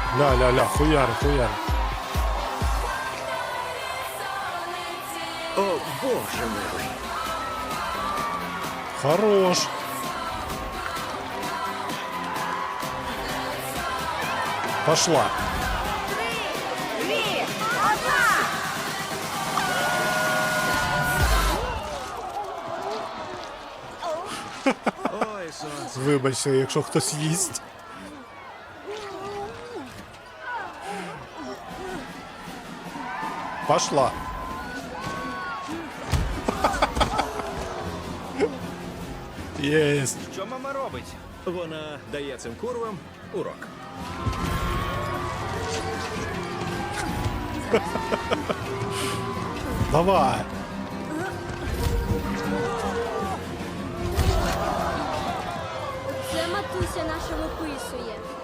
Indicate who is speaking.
Speaker 1: Ля-ля-ля, хуяри, хуяри.
Speaker 2: О, боже милий.
Speaker 1: Хорош. Пошла.
Speaker 3: Дві, одна!
Speaker 2: Ой, сонце.
Speaker 1: Вибачте, якщо хтось їсть. Пошла. Єсть.
Speaker 2: Що мама робить? Вона дає цим курвам урок.
Speaker 1: Давай.
Speaker 4: Це матуся наша виписує.